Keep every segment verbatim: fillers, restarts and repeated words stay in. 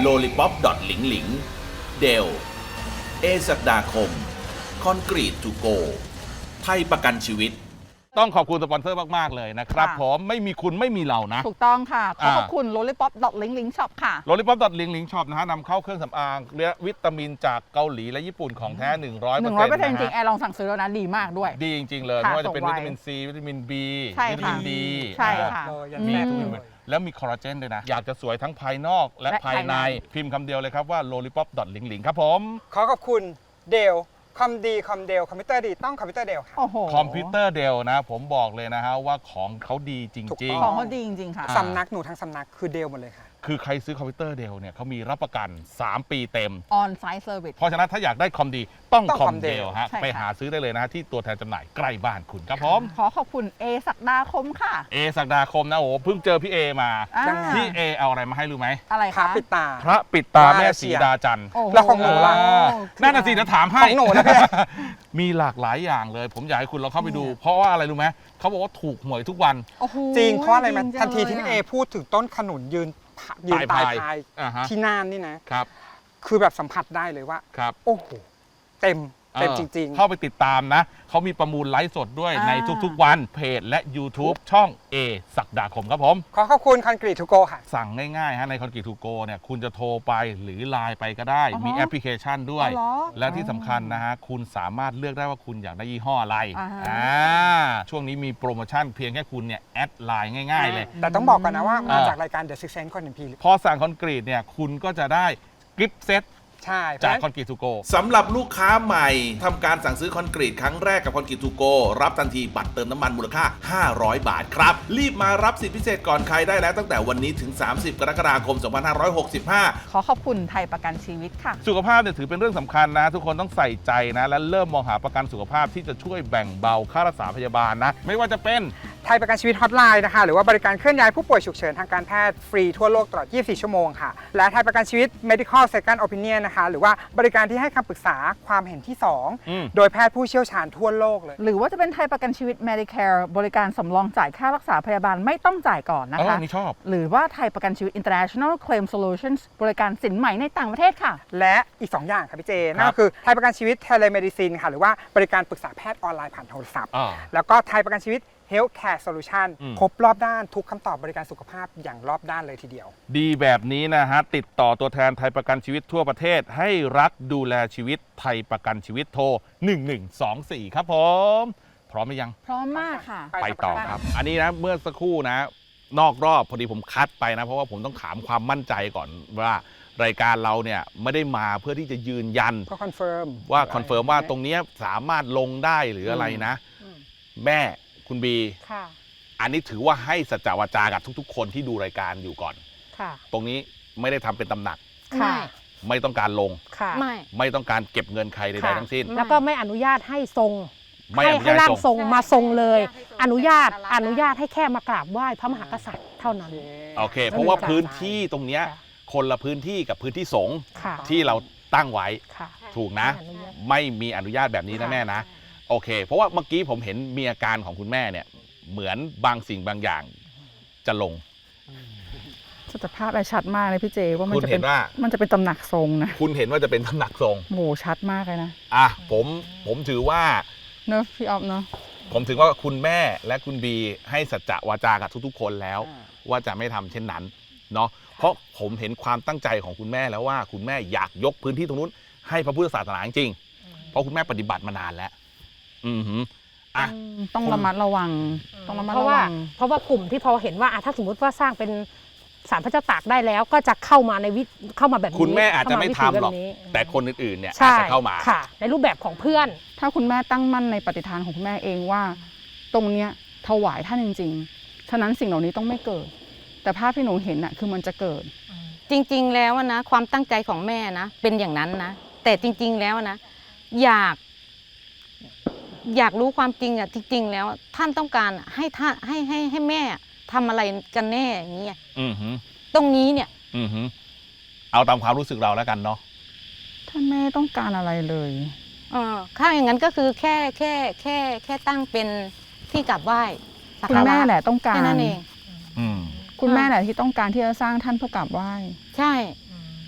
โลลิปอปดอทหลิงหลิงเดลเอศักดาคมคอนกรีตทูโกไทยประกันชีวิตต้องขอบคุณสปอนเซอร์มากๆเลยนะครับผมไม่มีคุณไม่มีเรานะถูกต้องค่ะขอขอบคุณ lollipop link link shop ค่ะ lollipop link link shop นะฮะนำเข้าเครื่องสำอางและวิตามินจากเกาหลีและญี่ปุ่นของแท้ หนึ่งร้อยเปอร์เซ็นต์หนึ่งร้อยเปอร์เซ็นต์ จริงๆแอร์ลองสั่งซื้อแล้วนะดีมากด้วยดีจริงๆเลยไม่ว่าจะเป็นวิตามินซีวิตามิน B วิตามิน D ใช่ค่ะมีทุกอย่างแล้วมีคอลลาเจนด้วยนะอยากจะสวยทั้งภายนอกและภายในพิมพ์คำเดียวเลยครับว่า lollipop link link ครับผมขอขอบคุณเดลคอมดีคอมเดลคอมพิวเตอร์ดีต้องคอมพิวเตอร์เดลค่ะคอมพิวเตอร์เดลนะผมบอกเลยนะฮะว่าของเขาดีจริงๆของเขาดีจริงๆค่ะสำนักหนูทั้งสำนักคือเดลหมดเลยค่ะคือใครซื้อคอมพิวเตอร์เดลเนี่ยเขามีรับประกันสามปีเต็ม on site service เพราะฉะนั้นถ้าอยากได้คอมดีต้องคอมเดลฮะไปหาซื้อได้เลยนะที่ตัวแทนจำหน่ายใกล้บ้านคุณครับผมขอขอบคุณเอศักดาคมค่ะเอศักดาคมนะโอ้เพิ่งเจอพี่เอมาพี่เอเอาอะไรมาให้รู้ไหมอะไรคะพระปิดตาพระปิดตาแม่สีดาจันทร์แล้วของหนูล่ะนั่นน่ะสิจะถามให้ของหนูนะมีหลากหลายอย่างเลยผมอยากให้คุณลองเข้าไปดูเพราะว่าอะไรรู้ไหมเขาบอกว่าถูกหวยทุกวันจริงเพราะอะไรมันทันทีที่พี่เอพูดถึงต้นขนุนยืนยืนปลายพายที่น่านนี่นะครับคือแบบสัมผัสได้เลยว่าโอ้โหเต็มเต็มจริงๆเข้าไปติดตามนะเขามีประมูลไลฟ์สดด้วยในทุกๆวันเพจและ YouTube ช่อง A ศักดาคมครับผมขอขอบคุณคอนกรีตทูโกค่ะสั่งง่ายๆฮะในคอนกรีตทูโกเนี่ยคุณจะโทรไปหรือไลน์ไปก็ได้มีแอปพลิเคชันด้วยและที่สำคัญนะฮะคุณสามารถเลือกได้ว่าคุณอยากได้ยี่ห้ออะไรอ่าช่วงนี้มีโปรโมชั่นเพียงแค่คุณเนี่ยแอดไลน์ง่ายๆเลยแต่ต้องบอกก่อนนะว่ามาจากรายการ The Six Sense คนหนึ่งพีพอสั่งคอนกรีตเนี่ยคุณก็จะได้กิฟต์เซตจากคอนกรีตทูโกสำหรับลูกค้าใหม่ทำการสั่งซื้อคอนกรีตครั้งแรกกับคอนกรีตทูโกรับทันทีบัตรเติมน้ำมันมูลค่าห้าร้อยบาทครับรีบมารับสิทธิพิเศษก่อนใครได้แล้วตั้งแต่วันนี้ถึงสามสิบกรกฎาคมสองพันห้าร้อยหกสิบห้าขอขอบคุณไทยประกันชีวิตค่ะสุขภาพเนี่ยถือเป็นเรื่องสำคัญนะทุกคนต้องใส่ใจนะและเริ่มมองหาประกันสุขภาพที่จะช่วยแบ่งเบาค่ารักษาพยาบาลนะไม่ว่าจะเป็นไทยประกันชีวิตฮอตไลน์นะคะหรือว่าบริการเคลื่อนย้ายผู้ป่วยฉุกเฉินทางการแพทย์ฟรีทั่วโลกตลอดยี่สิบสี่ชั่วโมงค่ะและไทยประกันชีวิต medical second opinion นะคะหรือว่าบริการที่ให้คำปรึกษาความเห็นที่สองโดยแพทย์ผู้เชี่ยวชาญทั่วโลกเลยหรือว่าจะเป็นไทยประกันชีวิต Medicare บริการสำรองจ่ายค่ารักษาพยาบาลไม่ต้องจ่ายก่อนนะคะนี่ชอบหรือว่าไทยประกันชีวิต International Claim Solutions บริการสินใหม่ในต่างประเทศค่ะและอีกสองอย่างค่ะพี่เจนั่นก็คือไทยประกันชีวิต Telemedicine ค่ะหรือว่าบริการปรึกษาแพทย์ออนไลน์ผ่านโทรศัพท์แล้วก็ไทยประกันชีวิตHealthcare Solution ครบรอบด้านทุกคำตอบบริการสุขภาพอย่างรอบด้านเลยทีเดียวดีแบบนี้นะฮะติดต่อตัวแทนไทยประกันชีวิตทั่วประเทศให้รักดูแลชีวิตไทยประกันชีวิตโทรหนึ่งหนึ่งสองสี่ครับผมพร้อมไหมยังพร้อมมากค่ะไปต่อครับอันนี้นะเมื่อสักครู่นะนอกรอบพอดีผมคัดไปนะเพราะว่าผมต้องถามความมั่นใจก่อนว่ารายการเราเนี่ยไม่ได้มาเพื่อที่จะยืนยันก็คอนเฟิร์มว่าคอนเฟิร์มว่าตรงนี้สามารถลงได้หรืออะไรนะแม่คุณบีอันนี้ถือว่าให้สัจจวาจากับทุกๆคนที่ดูรายการอยู่ก่อนตรงนี้ไม่ได้ทำเป็นตำหนักไม่ต้องการลงไม่ไม่ต้องการเก็บเงินใครใดๆทั้งสิ้นแล้วก็ไม่อนุญาตให้ทรงให้ให้ร่างทรงมาทรงเลยอนุญาตอนุญาตให้แค่มากราบไหว้พระมหากษัตริย์เท่านั้นโอเคเพราะว่าพื้นที่ตรงนี้คนละพื้นที่กับพื้นที่สงฆ์ที่เราตั้งไว้ถูกนะไม่มีอนุญาตแบบนี้นะแม่นะโอเคเพราะว่าเมื่อกี้ผมเห็นมีอาการของคุณแม่เนี่ยเหมือนบางสิ่งบางอย่างจะลงสภาพอะไรชัดมากเลยพี่เจว่ามันจะเป็นมันจะเป็นตำหนักทรงนะคุณเห็นว่าจะเป็นตำหนักทรงโหชัดมากเลยนะอ่ะผมผมถือว่าเนอะพี่ออฟเนอะผมถือว่าคุณแม่และคุณบีให้สัจจะวาจากับทุกๆคนแล้วว่าจะไม่ทำเช่นนั้นเนาะเพราะผมเห็นความตั้งใจของคุณแม่แล้วว่าคุณแม่อยากยกพื้นที่ตรงนู้นให้พระพุทธศาสนาจริงเพราะคุณแม่ปฏิบัติมานานแล้วอือหืออ่ะต้องระมัดระวังต้องระมัดระวังเพราะว่าเพราะว่ากลุ่มที่พอเห็นว่าถ้าสมมติว่าสร้างเป็นศาลพระเจ้าตากได้แล้วก็จะเข้ามาในวิเข้ามาแบบนี้คุณแม่อาจจะไม่ทำหรอกแต่คนอื่นๆเนี่ยอาจจะเข้ามาค่ะในรูปแบบของเพื่อนถ้าคุณแม่ตั้งมั่นในปฏิฐานของคุณแม่เองว่าตรงเนี้ยถวายท่านจริงๆฉะนั้นสิ่งเหล่านี้ต้องไม่เกิดแต่ภาพที่หนูเห็นน่ะคือมันจะเกิดจริงๆแล้วนะความตั้งใจของแม่นะเป็นอย่างนั้นนะแต่จริงๆแล้วนะอยากอยากรู้ความจริงอ่ะจริงๆแล้วท่านต้องการให้ท่านให้ให้ให้แม่ทำอะไรกันแน่อย่างเงี้ยตรงนี้เนี่ยเอาตามความรู้สึกเราแล้วกันเนาะถ้าแม่ต้องการอะไรเลยเออถ้าอย่างนั้นก็คือแค่แค่แค่แค่ตั้งเป็นที่กราบไหว้คุณแม่แหละต้องการแค่นั้นเองคุณแม่แหละที่ต้องการที่จะสร้างท่านเพื่อกราบไหว้ใช่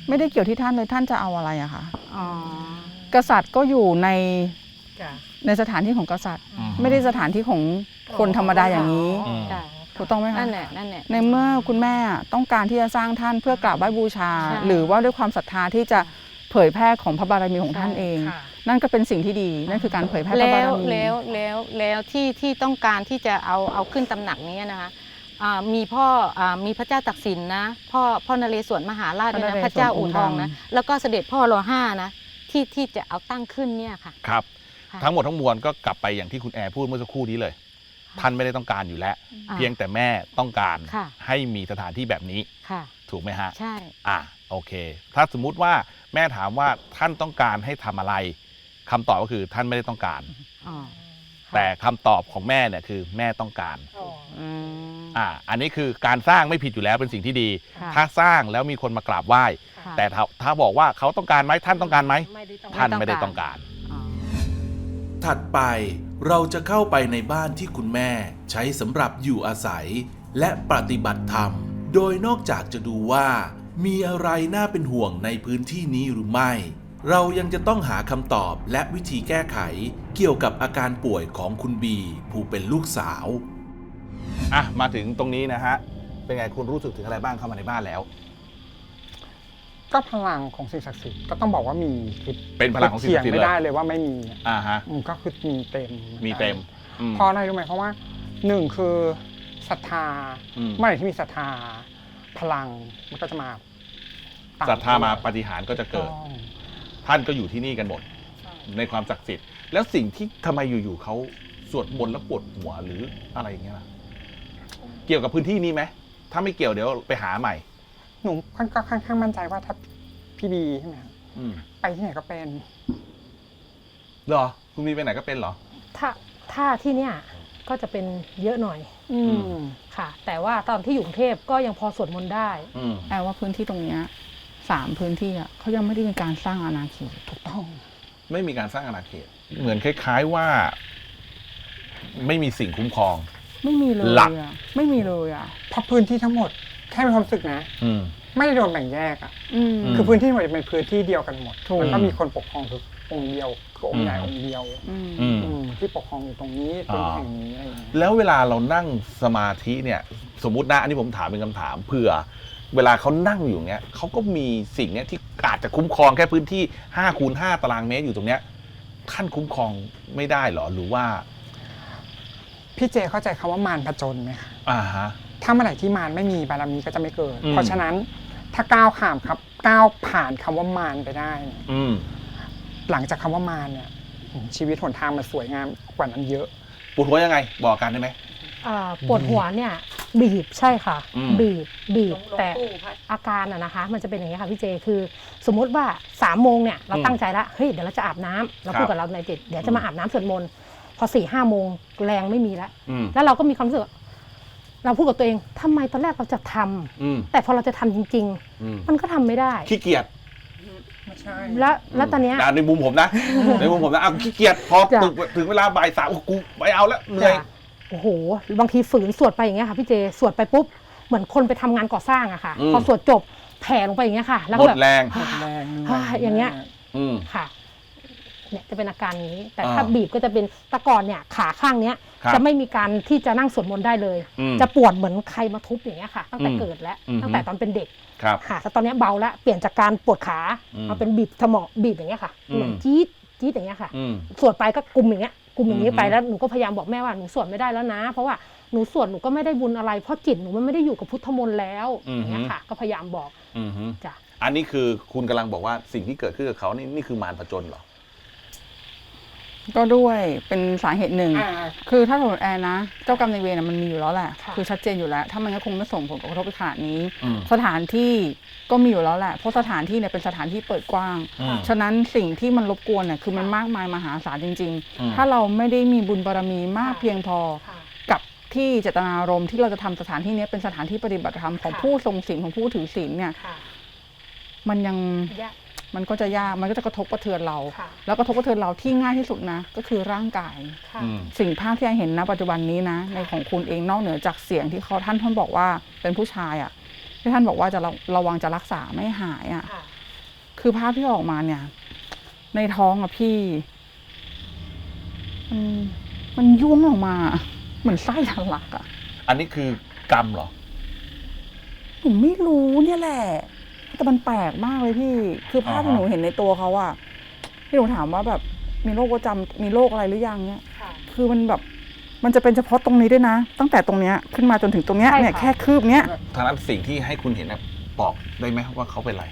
ไม่ได้เกี่ยวที่ท่านเลยท่านจะเอาอะไรอะคะอ๋อกษัตริย์ก็อยู่ในจ้ะในสถานที่ของกษัตริย์อืมไม่ได้สถานที่ของคนธรรมดาอย่างนี้อืมจ้ะถูกต้องไหมคะนั่นแหละนั่นแหละในเมื่อคุณแม่ต้องการที่จะสร้างท่านเพื่อกราบไหว้บูชาใช่หรือว่าด้วยความศรัทธาที่จะเผยแพร่ของพระบารมีของท่านเองค่ะนั่นก็เป็นสิ่งที่ดีนั่นคือการเผยแพร่พระแล้บาว รมีแล้วแล้วแล้วที่ที่ต้องการที่จะเอาเอาขึ้นตำหนักนี้นะคะอ่ามีพ่ออ่ามีพระเจ้าตักสินนะพ่อพ่อนเรศวรมหาราชด้วยนะพระเจ้าอู่ทองนะแล้วก็เสด็จพ่อรอห้านะที่ที่จะเอาตั้งขึ้นเนี่ยค่ะครับค่ะทั้งหมดทั้งมวลก็กลับไปอย่างที่คุณแอร์พูดเมื่อสักครู่นี้เลย ท่านไม่ได้ต้องการอยู่แล้วอ่าเพียงแต่แม่ต้องการค่ะให้มีสถานที่แบบนี้ค่ะถูกไหมฮะใช่อ่ะโอเค ถ้าสมมุติว่าแม่ถามว่าท่านต้องการให้ทำอะไรคำตอบก็คือท่านไม่ได้ต้องการอ๋อแต่คำตอบของแม่เนี่ยคือแม่ต้องการอืมอ่าอันนี้คือการสร้างไม่ผิดอยู่แล้วเป็นสิ่งที่ดีค่ะถ้าสร้างแล้วมีคนมากราบไหว้ค่ะแต่ถ้าถ้าบอกว่าเขาต้องการไหมท่านต้องการไหมไม่ได้ต้องท่านไม่ได้ต้องการอ๋อถัดไปเราจะเข้าไปในบ้านที่คุณแม่ใช้สำหรับอยู่อาศัย และปฏิบัติธรรม โดยนอกจากจะดูว่ามีอะไรน่าเป็นห่วงในพื้นที่นี้หรือไม่ เรายังจะต้องหาคำตอบและวิธีแก้ไข เกี่ยวกับอาการป่วยของคุณบีผู้เป็นลูกสาวอ่ะมาถึงตรงนี้นะฮะเป็นไงคุณรู้สึกถึงอะไรบ้างเข้ามาในบ้านแล้วก็พลังของสิ่งศักดิ์สิทธิ์ก็ต้องบอกว่ามีคือเป็นพลังของสิ่งศักดิ์สิทธิ์เถียงไม่ได้เลยเลยว่าไม่มีอ่าฮะอืมก็คือมีเต็มมีเต็มอืมเพราะอะไรรู้ไหมเพราะว่าหนึ่งคือศรัทธาอืมเมื่อไหร่ที่มีศรัทธา พลังมันก็จะมาตศรัทธามาปาฏิหาริย์ก็จะเกิดต้องท่านก็อยู่ที่นี่กันหมด ในความศักดิ์สิทธิ์ แล้วสิ่งที่ทำไมอยู่ๆเขาสวดมนต์แล้วปวดหัวหรืออะไรอย่างเงี้ยล่ะเกี่ยวกับพื้นที่นี้ไหมถ้าไม่เกี่ยวเดี๋ยวไปหาใหม่หนูก็ค่อนข้างมั่นใจว่าถ้าพี่บีใช่ไหมครับอืมไปที่ไหนก็เป็นเหรอคุณมีไปไหนก็เป็นเหรอถ้าถ้าที่เนี่ยก็จะเป็นเยอะหน่อยอืมค่ะ แต่ว่าตอนที่อยู่กรุงเทพก็ยังพอสวดมนต์ได้อืมแปลว่าพื้นที่ตรงเนี้ยสามพื้นที่อะเขายังไม่ได้มีการสร้างอาณาเขตถูกต้องไม่มีการสร้างอาณาเขต เหมือนคล้าย ๆว่า ไม่มีสิ่งคุ้มครองไม่มีเลยหลักอะไม่มีเลยอะเพราะพื้นที่ทั้งหมดแค่มีความรู้สึกนะอืมไม่ได้โดนแบ่งแยกอ่ะอืมอืมคือพื้นที่ทั้งหมดเป็นพื้นที่เดียวกันหมดถูกมันก็มีคนปกครองคือองค์เดียวคือองค์ใหญ่อืมองค์เดียวอืมอืมอืมที่ปกครองอยู่ตรงนี้ตรงอ่าแห่งนี้อะไรอย่างเงี้ยแล้วเวลาเรานั่งสมาธิเนี่ย สมมุตินะอันนี้ผมถามเป็นคำถามเผื่อ เวลาเขานั่งอยู่เนี้ยเขาก็มีสิ่งเนี้ยที่อาจจะคุ้มครองแค่พื้นที่ห้าคูณห้าตารางเมตรอยู่ตรงเนี้ยท่านคุ้มครองไม่ได้เหรอหรือว่าพี่เจเข้าใจคำว่ามารผจญไหมคะอ่าฮะถ้าเมื่อไหร่ที่มารไม่มีบารมีก็จะไม่เกิดอืมเพราะฉะนั้นถ้าก้าวข้ามครับก้าวผ่านคำว่ามารไปได้เนี่ยอืมหลังจากคำว่ามารเนี่ยชีวิตหนทางมันสวยงามกว่านั้นเยอะปวดหัวยังไง บอกกันได้ไหมอ่าปวดหัวเนี่ยบีบใช่ค่ะอืมบีบบีบแต่อาการอะนะคะ มันจะเป็นอย่างนี้ค่ะพี่เจคือ สมมุติว่าสามโมงเนี่ยเราตั้งใจแล้วเฮ้ยเดี๋ยวเราจะอาบน้ำเราพูดกับเราในจิตเดี๋ยวจะมาอาบน้ำสวดมนต์พอสี่ห้าโมงแรงไม่มีแล้วอืมแล้วเราก็มีความรู้สึกว่าเราพูดกับตัวเองทำไมตอนแรกเราจะทำอืมแต่พอเราจะทำจริงอืมๆ มันก็ทำไม่ได้ขี้เกียจไม่ใช่แล้วแล้วตอนเนี้ยอ่ะในมุมผมนะ ในมุมผมนะอ่ะขี้เกียจพอจ้ะถึงถึงเวลาบ่ายสามโอ้กูไม่เอาแล้วเหนื่อยจะโอ้โหบางทีฝืนสวดไปอย่างเงี้ยค่ะพี่เจสวดไปปุ๊บเหมือนคนไปทำงานก่อสร้างอะค่ะอืมพอสวดจบแผ่ลงไปอย่างเงี้ยค่ะ แล้วหมก็ดแบบแรงหมดแรงเหนื่อ่าอย่างเงี้ยอืมค่ะเนี่ยจะเป็นอาการนี้ แต่อ่าถ้าบีบก็จะเป็นแตะก่อนเนี่ยขาข้างเนี้ยครับจะไม่มีการที่จะนั่งสวดมนต์ได้เลยอืมจะปวดเหมือนใครมาทุบอย่างเงี้ยค่ะ ตั้งแต่อืมเกิดแล้วอืมตั้งแต่ตอนเป็นเด็กครับค่ะแต่ตอนเนี้ยเบาแล้วเปลี่ยนจากการปวดขาอืมมาเป็นบีบสมองบีบอย่างเงี้ยค่ะอืมเหมือนจี๊ดจี๊ดอย่างเงี้ยค่ะอืมสวดไปก็กุมอย่างเงี้ยกุมอย่างนี้อืมไปแล้วหนูก็พยายามบอกแม่ว่าหนูสวดไม่ได้แล้วนะ เพราะว่าหนูสวดหนูก็ไม่ได้บุญอะไรเพราะจิตหนูมันไม่ได้อยู่กับพุทธมนต์แล้วอย่างเงี้ยค่ะ ก็พยายามบอกอืมฮึจ้ะอันนี้คือคุณกำลังบอกว่าสิ่งที่เกิดขึ้นกับเขานี่นี่คือมารผจญเหรอก็ด้วยเป็นสาเหตุหนึ่งอ่าคือถ้าสมมติแอร์นะ เจ้ากรรมนายเวรน่ะมันมีอยู่แล้วแหละค่ะคือชัดเจนอยู่แล้ว ถ้ามันก็คงไม่ส่งผลกระทบไปขนาดนี้อืมสถานที่ก็มีอยู่แล้วแหละ เพราะสถานที่เนี่ยเป็นสถานที่เปิดกว้างอืมฉะนั้นสิ่งที่มันรบกวนเนี่ยคือมันมากมายมหาศาลจริงอืมๆ ถ้าเราไม่ได้มีบุญบารมีมากเพียงพอค่ะกับที่เจตนารมณ์ที่เราจะทำสถานที่เนี้ยเป็นสถานที่ปฏิบัติธรรมของค่ะผู้ทรงศีลของผู้ถือศีลเนี่ยค่ะมันยังยากมันก็จะยาก มันก็จะกระทบกระเทือนเราค่ะแล้วกระทบกระเทือนเราที่ง่ายที่สุดนะ ก็คือร่างกายค่ะอืมสิ่งภาพที่ไอเห็นณปัจจุบันนี้นะ ในของคุณเองนอกเหนือจากเสียงที่เขาท่านท่านบอกว่าเป็นผู้ชายอะ่ะที่ท่านบอกว่าจะระระวังจะรักษาไม่หายอะ่ะค่ะคือภาพที่ออกมาเนี่ย ในท้องอะพี่ มันมันยุ่งออกมา เหมือนไส้ทะลักอะอันนี้คือกรรมเหรอหนูไม่รู้เนี่ยแหละ แต่มันแปลกมากเลยพี่ คือภาพที่อ่าฮะหนูเห็นในตัวเขาอะที่หนูถามว่าแบบมีโรคประจำมีโรคอะไรหรือยังเนี่ย คือมันแบบมันจะเป็นเฉพาะตรงนี้ด้วยนะ ตั้งแต่ตรงเนี้ยขึ้นมาจนถึงตรงเนี้ยใช่ค่ะเนี่ยแค่คืบเนี้ยทางนั้นสิ่งที่ให้คุณเห็นนะบอกได้ไหมว่าเขาเป็นอะไร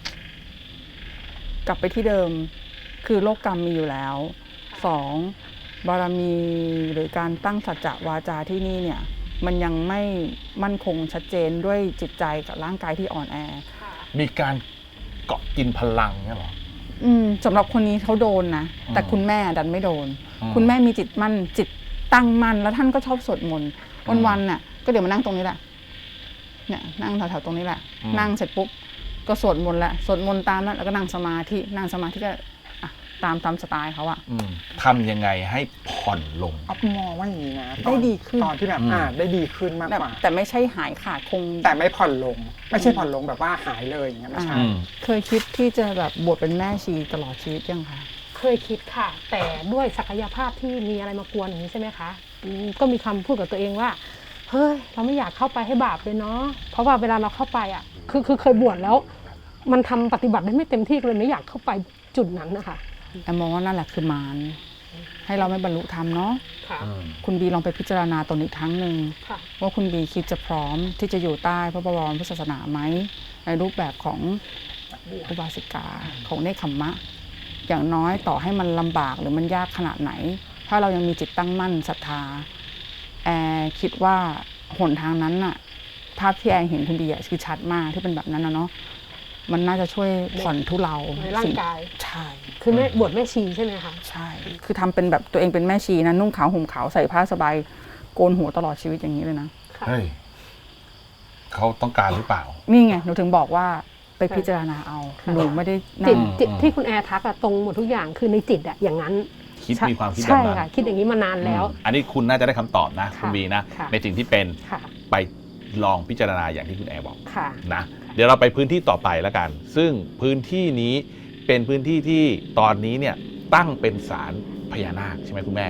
กลับไปที่เดิม คือโลกกรรมมีอยู่แล้วสองบารมีหรือการตั้งสัจจะวาจาที่นี่เนี่ย มันยังไม่มั่นคงชัดเจนด้วยจิตใจกับร่างกายที่อ่อนแอมีการเกาะกินพลังเนี่ยเหรออืมสำหรับคนนี้เขาโดนนะอืมแต่คุณแม่ดันไม่โดนอืมคุณแม่มีจิตมั่นจิตตั้งมั่นแล้วท่านก็ชอบสวดมนต์อืมวันๆน่ะก็เดี๋ยวมานั่งตรงนี้แหละเนี่ยนั่งแถวๆตรงนี้แหละอืมนั่งเสร็จปุ๊บก็สวดมนต์แหละสวดมนต์ตามนั้นแล้วก็นั่งสมาธินั่งสมาธิก็อ่ะตามตามสไตล์เขาอะอืมทำยังไงให้ผ่อนลงอ๊อฟมองว่าอย่างนี้นะตได้อนดีขึ้นตอนที่แบบอืมอ่าได้ดีขึ้นมากแต่กว่าแต่ไม่ใช่หายขาดคงแต่ไม่ผ่อนลง ไม่ใช่ผ่อนลงแบบว่าหายเลยอย่างเงี้ยไม่ใช่อืมเคยคิดที่จะแบบบวชเป็นแม่ชีตลอดชีวิตยังคะเคยคิดค่ะ แต่ด้วยศักยภาพที่มีอะไรมากวนอย่างนี้ใช่ไหมคะอืมก็มีคำพูดกับตัวเองว่าเฮ้ยเราไม่อยากเข้าไปให้บาปเลยเนาะเพราะว่าเวลาเราเข้าไปอ่ะคือคือเคยบวชแล้ว มันทำปฏิบัติได้ไม่เต็มที่เลยไม่อยากเข้าไปจุดนั้นนะคะแอมมองว่านั่นแหละคือมารให้เราไม่บรรลุธรรมเนาะค่ะคุณบีลองไปพิจารณาตนอีกครั้งหนึ่งค่ะว่าคุณบีคิดจะพร้อมที่จะอยู่ใต้พระบรมพุทธศาสนาไหมในรูปแบบของอุบาสิกาของเนคขมมะ อย่างน้อยต่อให้มันลำบากหรือมันยากขนาดไหน ถ้าเรายังมีจิตตั้งมั่นศรัทธาแอร์คิดว่าหนทางนั้นน่ะภาพที่แอร์เห็นคุณบีอะคือชัดมากที่เป็นแบบนั้นนะเนาะมันน่าจะช่วยผ่อนทุเลาในร่างกายใช่คือแม่บวชแม่ชีใช่ไหมคะใช่ คือทำเป็นแบบตัวเองเป็นแม่ชีนะนุ่งขาวห่มขาวใส่ผ้าสบายโกนหัวตลอดชีวิตอย่างนี้เลยนะเฮ้ยเขาต้องการหรือเปล่านี่ไงหนูถึงบอกว่าไปพิจารณาเอาค่ะหนูไม่ได้จินั่ตงจิตอืมที่คุณแอร์ทักอะตรงหมดทุกอย่างคือในจิตอะอย่างนั้นคิดมีความคิดแบบใช่นั้นค่ะ คิดอย่างนี้มานานแล้วอืมอันนี้คุณน่าจะได้คำตอบนะค่ะคุณบีนะค่ะในสิ่งที่เป็นค่ะไปลองพิจารณาอย่างที่คุณแอร์บอกค่ะนะเดี๋ยวเราไปพื้นที่ต่อไปแล้วกัน ซึ่งพื้นที่นี้เป็นพื้นที่ที่ตอนนี้เนี่ยตั้งเป็นศาลพญานาคใช่ไหมคุณแม่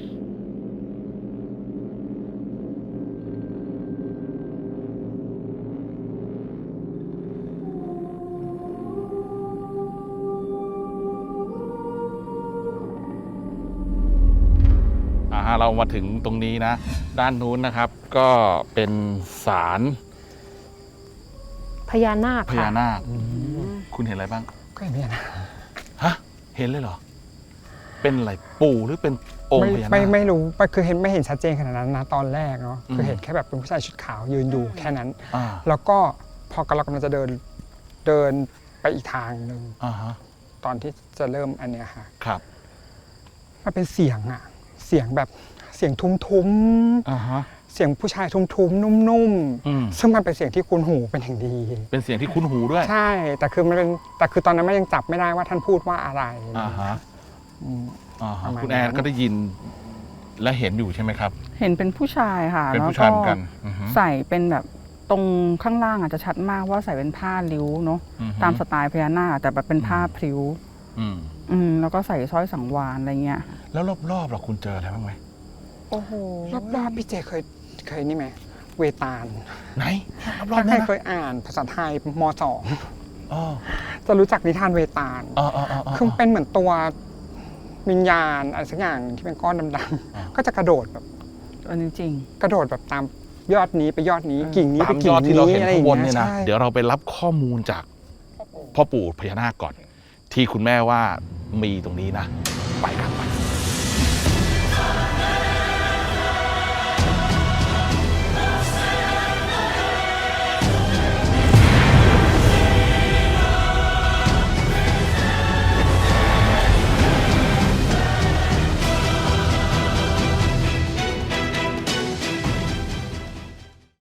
อ่าฮะเรามาถึงตรงนี้นะ ด้านนู้นนะครับ ก็เป็นศาลพญานาคพค่ะญานาคคุณเห็นอะไรบ้างก็อย่างนี้นะฮะ เห็นเลยเหรอ เป็นอะไรปู่หรือเป็นองค์ไม่พญานาคไม่ไม่รู้คือเห็นไม่เห็นชัดเจนขนาดนั้นนะตอนแรกเนาะอืมคือเห็นแค่แบบเป็นผู้ชายชุดขาวยืนอยู่แค่นั้นอ่าแล้วก็พอกำลังกำลังจะเดินเดินไปอีกทางหนึ่งอ่าฮะตอนที่จะเริ่มอันเนี้ยค่ะครับมันเป็นเสียงอะเสียงแบบเสียงทุ้มอ่าฮะๆเสียงผู้ชายทุ้มๆนุ่มอืมๆซึ่งมันเป็นเสียงที่คุ้นหูเป็นอย่างดีเป็นเสียงที่คุ้นหูด้วยใช่ แต่คือมันเป็นแต่คือตอนนั้นมันยังจับไม่ได้ว่าท่านพูดว่าอะไรอ่าฮะอืมอ่าฮะประมาณคุณแอนนั้นก็ได้ยินและเห็นอยู่ใช่ไหมครับเห็นเป็นผู้ชายค่ะเป็นแล้วผู้ชายก็เหมือนกันอือฮึใส่เป็นแบบตรงข้างล่างอาจจะชัดมากว่าใส่เป็นผ้าริ้วเนาะอือฮึตามสไตล์พญานาคแต่แบบเป็นผ้าพริ้วอืมอืมแล้วก็ใส่สร้อยสังวานอะไรเงี้ยแล้วรอบๆเราคุณเจออะไรบ้างไหมโอ้โหรอบๆพี่เจเคยเคยนี่ไหมเวตาลไหนรอบๆถ้าใครนั้นนะเคยอ่านภาษาไทยมสองอ๋อจะรู้จักนิทานเวตาลอ๋ออ๋ออ๋อคือเป็นเหมือนตัววิญญาณอะไรสักอย่างที่เป็นก้อนดอ่าำๆก็จะกระโดดแบบอันนี้จริงกระโดดแบบตามยอดนี้ไปยอดนี้เออกิ่งนี้ตาไปมยกิ่อง ดที่นี้เราเห็นอะไรอข้างย่างบนเงี้เนี่ย ยนะใช่เดี๋ยวเราไปรับข้อมูลจากพ่อปู่พญานาคก่อน ที่คุณแม่ว่ามีตรงนี้นะ ไปครับไป